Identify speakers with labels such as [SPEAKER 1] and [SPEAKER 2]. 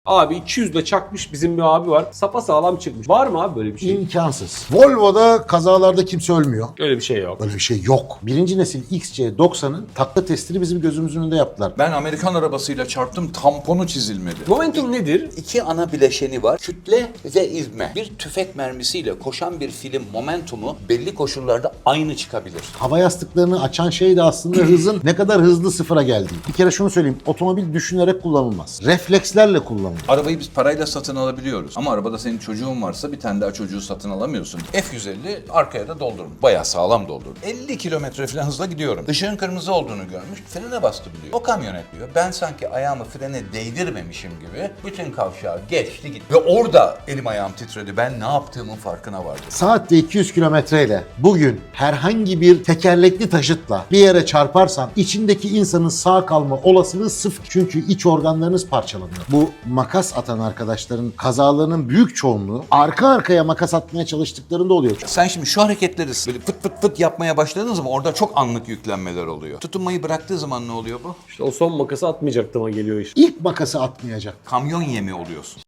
[SPEAKER 1] Abi 200'de çakmış bizim bir abi var. Sapasağlam çıkmış. Var mı abi böyle bir şey?
[SPEAKER 2] İmkansız. Volvo'da kazalarda kimse ölmüyor.
[SPEAKER 1] Öyle bir şey yok.
[SPEAKER 2] Öyle bir şey yok. Birinci nesil XC90'ın takla testini bizim gözümüzün önünde yaptılar.
[SPEAKER 3] Ben Amerikan arabasıyla çarptım, tamponu çizilmedi.
[SPEAKER 1] Momentum nedir?
[SPEAKER 4] İki ana bileşeni var. Kütle ve ivme. Bir tüfek mermisiyle koşan bir film momentumu belli koşullarda aynı çıkabilir.
[SPEAKER 2] Hava yastıklarını açan şey de aslında hızın ne kadar hızlı sıfıra geldiği. Bir kere şunu söyleyeyim. Otomobil düşünerek kullanılmaz. Reflekslerle kullanılır.
[SPEAKER 3] Arabayı biz parayla satın alabiliyoruz. Ama arabada senin çocuğun varsa bir tane daha çocuğu satın alamıyorsun. F-150 arkaya da doldurun. Bayağı sağlam doldurun. 50 kilometre falan hızla gidiyorum. Işığın kırmızı olduğunu görmüş. Frene bastım diyor. O kamyonet diyor. Ben sanki ayağımı frene değdirmemişim gibi bütün kavşağı geçti gitti. Ve orada elim ayağım titredi. Ben ne yaptığımın farkına vardım.
[SPEAKER 2] Saatte 200 kilometreyle bugün herhangi bir tekerlekli taşıtla bir yere çarparsan içindeki insanın sağ kalma olasılığı sıfır. Çünkü iç organlarınız parçalanıyor. Bu makas atan arkadaşların kazalarının büyük çoğunluğu arka arkaya makas atmaya çalıştıklarında oluyor.
[SPEAKER 3] Sen şimdi şu hareketleri böyle fıt fıt fıt yapmaya başladığın zaman orada çok anlık yüklenmeler oluyor. Tutunmayı bıraktığı zaman ne oluyor bu?
[SPEAKER 1] İşte o son makası atmayacaktım ama geliyor işte.
[SPEAKER 2] İlk makası atmayacak.
[SPEAKER 3] Kamyon yemi oluyorsun.